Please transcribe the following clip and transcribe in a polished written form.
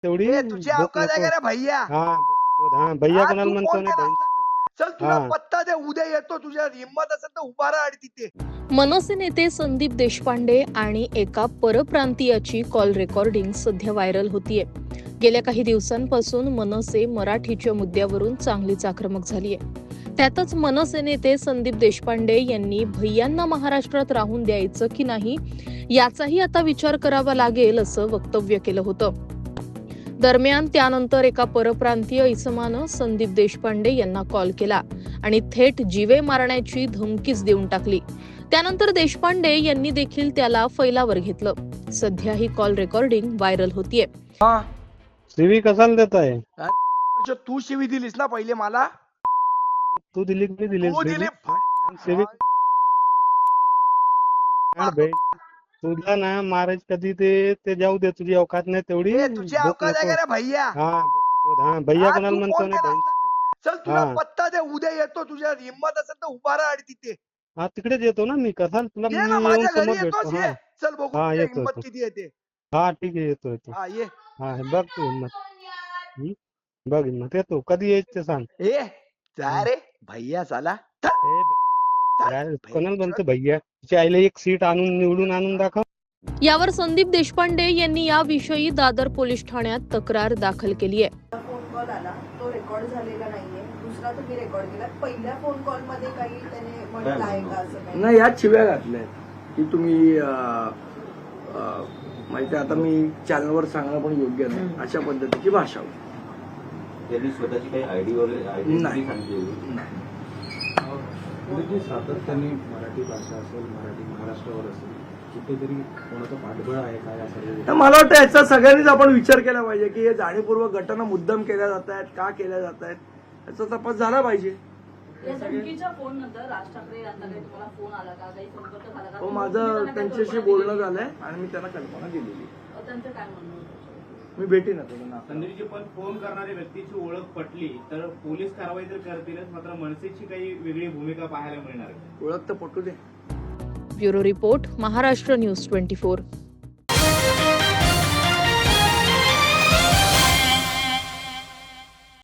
तेवढी तुझी भूक औकात आहे नको. का रे भैया? हा भैया हा, कोणाला तू म्हणतो कोण ना केला? चल तुला हा पत्ता दे, उद्या येतो. तुझ्या हिंमत असेल तर उभा राहा आणि तिथे. मनसे नेते संदीप देशपांडे आणि एका परप्रांतीयाची कॉल रेकॉर्डिंग सध्या व्हायरल होतीये. गेल्या काही दिवसांपासून मनसे मराठीच्या मुद्द्यावरून चांगलीच आक्रमक झालीय. त्यातच मनसे नेते संदीप देशपांडे यांनी भैयांना महाराष्ट्रात राहून द्यायचं की नाही याचाही आता विचार करावा लागेल असं वक्तव्य केलं होतं. दरम्यान त्यानंतर एका परप्रांतीय इसमानं संदीप देशपांडे यांना कॉल केला आणि थेट जीवे मारण्याची धमकीच देऊन टाकली. त्यानंतर देशपांडे यांनी देखील त्याला फैलावर घेतलं. सध्या ही कॉल रेकॉर्डिंग व्हायरल होतीये. शिवी कशाला देत आहे? तू शिवी दिलीस ना पहिले मला. तू दिली की दिलीस तू दिली. शिवी तुला ना महाराज कधी ते जाऊ दे, तुझी औकात नाही तेवढी. तुझी भूक औकात आहे नको. का रे भैया? हा भैया हा, कोणाला तू म्हणतो कोण ना केला? चल तुला हा पत्ता दे, उद्या येतो. तुझ्या हिंमत असेल तर उभा राहा आणि तिथे. हा तिकडेच येतो ना मी. कसाल तुला ये ना मी येऊन माझ्या घरी समोर येतोस. भेटतो. ये चल बघू हा तुझ्या येतो हिंमत किती येते. हा ठीक आहे येतो. हा ये. हा बघ तू हिंमत. बघ हिंमत येतो. कधी यायचं ते सांग. जा रे भैया साला. कोणाला म्हणतो भैया? तिच्या आईला एक सीट निवडून आणून दाखव. यावर संदीप देशपांडे यांनी याविषयी दादर पोलीस ठाण्यात तक्रार दाखल केली आहे. फोन कॉल आला, तो रेकॉर्ड झालेला नाहीये. दुसरा तुम्ही रेकॉर्ड केला. पहिल्या फोन कॉल मध्ये काही त्याने म्हटलं आहे का असं काही? नाही, यात शिव्या घातल्या की तुम्ही माहिती. आता मी चॅनलवर सांगणं पण योग्य नाही. अशा पद्धतीची भाषा होती. त्यांनी स्वतःची काही आयडी वगैरे नाही. सांगितली. सातत्याने मराठी भाषा असेल, मराठी महाराष्ट्रावर असेल, कुठेतरी कोणाचं पाठबळ आहे काय असेल? तर मला वाटतं याचा सगळ्यांनीच आपण विचार केला पाहिजे की हे जाणीवपूर्वक घटना मुद्दाम केल्या जात आहेत, का केल्या जात आहेत, याचा तपास झाला पाहिजे. या धमकीच्या फोन नंतर राज ठाकरे यांचा काही तुम्हाला फोन आला का, काही संपर्क झाला का? हो, माझं त्यांच्याशी बोलणं झालंय आणि मी त्यांना कल्पना दिलेली. त्यांचं काय म्हणणं होतं? मी भेटेन आता त्यांना. संदीपजी, पण फोन करणाऱ्या व्यक्तीची ओळख पटली तर पोलीस कारवाई तर करतीलच, मात्र मनसेची काही वेगळी भूमिका पाहायला मिळणार आहे. ओळख तर पटू दे. Bureau report, Maharashtra news 24.